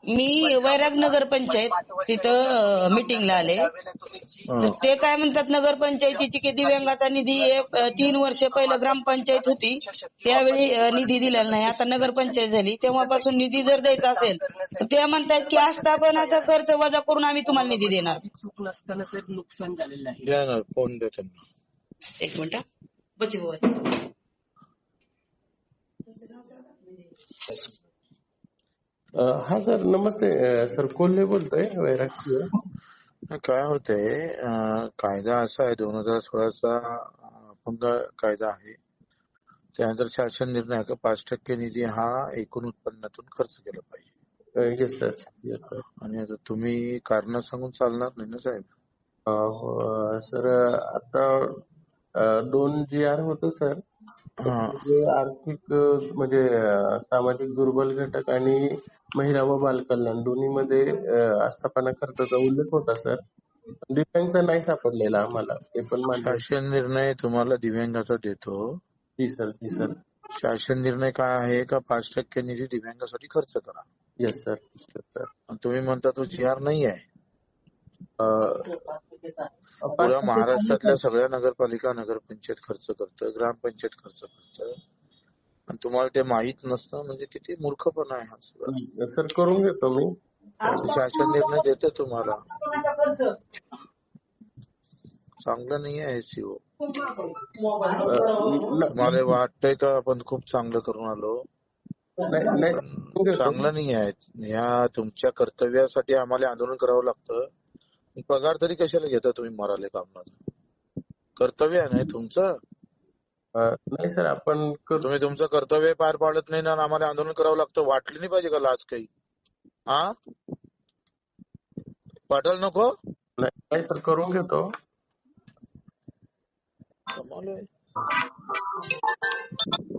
मी वैराग नगर पंचायत तिथं मीटिंगला आले. तर ते काय म्हणतात, नगरपंचायतीची की दिव्यांगाचा निधी 3 वर्ष पहिलं ग्रामपंचायत होती त्यावेळी निधी दिलेला नाही. आता नगरपंचायत झाली तेव्हापासून निधी जर द्यायचा असेल तर ते म्हणतात की आस्थापनाचा खर्च वजा करून आम्ही तुम्हाला निधी देणार. चूक नसताना साहेब नुकसान झालेलं आहे. देणार कोण देत त्यांना? एक मिनिट बची हा सर नमस्ते. सर कोल्हे बोलतोय वैरागची. काय होतंय, कायदा असा आहे 2016चा अपंग कायदा आहे. त्यानंतर शासन निर्णय आहे का 5% निधी हा एकूण उत्पन्नातून खर्च केला पाहिजे. Yes sir. Yes sir. आणि आता तुम्ही कारण सांगून चालणार नाही ना साहेब. सर आता 2 GR होतं सर. जे आर्थिक म्हणजे सामाजिक दुर्बल घटक आणि महिला व बालकल्याण दोन्हीमध्ये आस्थापना खर्चाचा उल्लेख होता सर. दिव्यांगचा नाही सापडलेला आम्हाला, ते पण मान्य. शासन निर्णय तुम्हाला दिव्यांगाचा देतो. जी सर. जी सर. शासन निर्णय काय आहे का 5% निधी दिव्यांगासाठी खर्च करा. Yes sir. सर तुम्ही म्हणता तो GR नाही आहे. पुऱ्या महाराष्ट्रातल्या सगळ्या नगरपालिका नगरपंचायत खर्च करतं, ग्रामपंचायत खर्च करतं, आणि तुम्हाला ते माहित नसतं म्हणजे किती मूर्खपणा आहे हा सगळा. सर करून घेतो मी. शासन निर्णय देते तुम्हाला. चांगलं नाही आहे सीओ. तुम्हाला वाटतंय का आपण खूप चांगलं करून आलो? चांगलं नाही आहे. या तुमच्या कर्तव्यासाठी आम्हाला आंदोलन करावं लागतं. पगार तरी कशाला घेता तुम्ही मराले कामला? कर्तव्य आहे नाही तुमचं? नाही सर आपण तुम्ही तुमचं कर्तव्य पार पाडत नाही ना, आम्हाला आंदोलन करावं लागतं. वाटली नाही पाहिजे का लाज काही? हा पाठल नको. नाही सर करून घेतो. कमाल आहे.